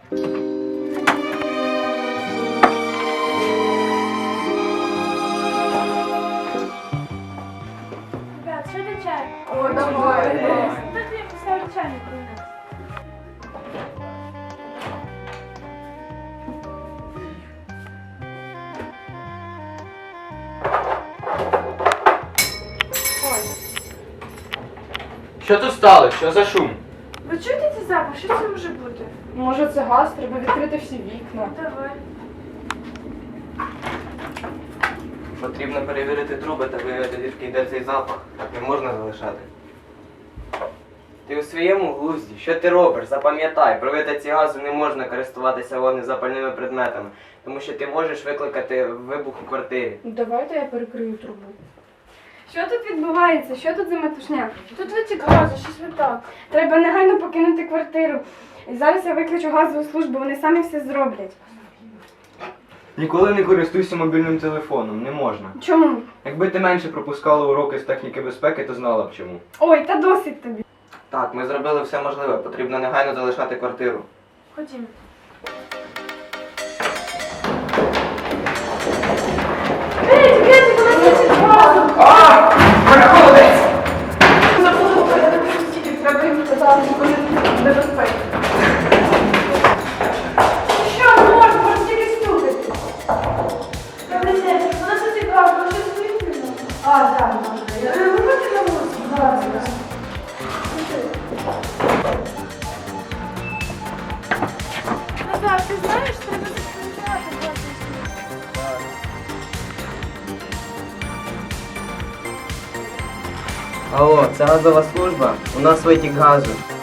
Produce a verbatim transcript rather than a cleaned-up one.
Ребят, що до чаю? О, давай. Так я поставлю чайник принес. Що тут сталося? Що за шум? Ви чуєте цей запах? Що це може бути? Може це газ, треба відкрити всі вікна. Давай. Потрібно перевірити труби та виявити, звідки йде цей запах. Так не можна залишати. Ти у своєму глузді. Що ти робиш? Запам'ятай, при витоці газу не можна користуватися вогнезапальними предметами, тому що ти можеш викликати вибух у квартирі. Ну, давайте я перекрию трубу. Що тут відбувається? Що тут за метушня? Тут витік газу, щось не так. Треба негайно покинути квартиру. І зараз я викличу газову службу, вони самі все зроблять. Ніколи не користуйся мобільним телефоном, не можна. Чому? Якби ти менше пропускала уроки з техніки безпеки, то знала б чому. Ой, та досить тобі. Так, ми зробили все можливе. Потрібно негайно залишати квартиру. Ходімо. Ей, дівчата, у нас є газу! Переходець! Треба їм сказати, що вони небезпеки. Що, не можна, можна тільки стукати. Добрий день, у нас витік газу, ви щось вимкнули? А, так, можна. Ви виходите на вулицю? Зараз, зараз. Назар, ти знаєш, треба заповняти газу. Алло, це газова служба? У нас витік газу.